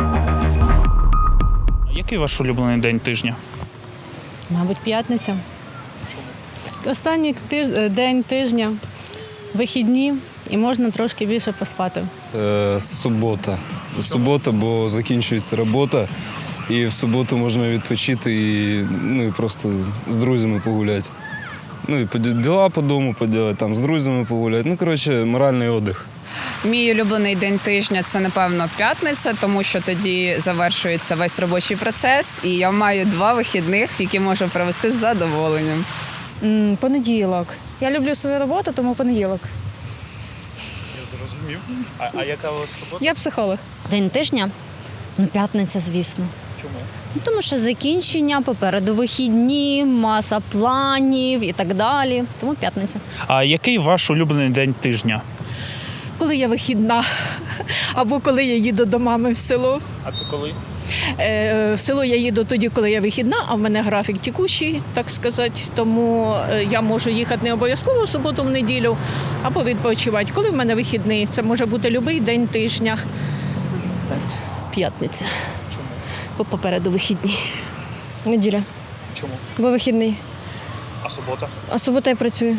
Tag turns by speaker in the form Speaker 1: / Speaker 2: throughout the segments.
Speaker 1: Який ваш улюблений день тижня?
Speaker 2: Мабуть, п'ятниця. Останній день тижня, вихідні і можна трошки більше поспати.
Speaker 3: Субота. Субота, бо закінчується робота. І в суботу можна відпочити і просто з друзями погуляти. І діла по дому поділати, там з друзями погуляти. Моральний відпочинок.
Speaker 4: Мій улюблений день тижня – це, напевно, п'ятниця, тому що тоді завершується весь робочий процес, і я маю 2 вихідних, які можу провести з задоволенням.
Speaker 5: Понеділок. Я люблю свою роботу, тому понеділок.
Speaker 1: Я зрозумів. А яка у вас робота?
Speaker 5: Я психолог.
Speaker 6: День тижня? П'ятниця, звісно.
Speaker 1: Чому?
Speaker 6: Тому що закінчення, попереду вихідні, маса планів і так далі. Тому п'ятниця.
Speaker 1: А який ваш улюблений день тижня?
Speaker 7: Коли я вихідна, або коли я їду до мами в село.
Speaker 1: А це коли?
Speaker 7: В село я їду тоді, коли я вихідна, а в мене графік текущий, так сказати. Тому я можу їхати не обов'язково в суботу, в неділю, або відпочивати. Коли в мене вихідний, це може бути будь-який день тижня.
Speaker 8: П'ятниця.
Speaker 1: Чому?
Speaker 8: Бо попереду вихідні. Неділя.
Speaker 1: Чому?
Speaker 8: Бо вихідний.
Speaker 1: А субота?
Speaker 8: А субота я працюю.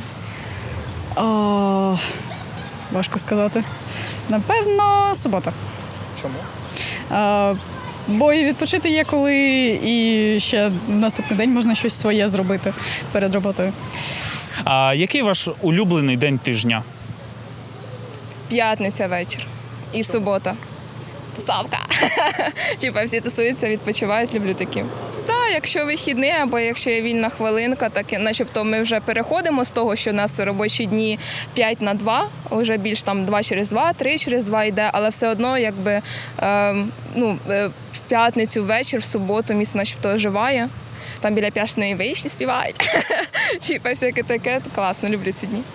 Speaker 5: Важко сказати. Напевно, субота.
Speaker 1: Чому?
Speaker 5: Бо і відпочити є коли, і ще наступний день можна щось своє зробити перед роботою.
Speaker 1: А який ваш улюблений день тижня?
Speaker 9: П'ятниця вечір і субота. Тусовка. Типа всі тусуються, відпочивають, люблю такі. Так, якщо вихідний або якщо є вільна хвилинка, так начебто ми вже переходимо з того, що у нас робочі дні 5 на 2, вже більш там 2 через 2, 3 через 2 йде, але все одно якби в п'ятницю вечір, в суботу місто начебто оживає. Там біля П'яшної вишні співають. Типа всяке таке, класно, люблю ці дні.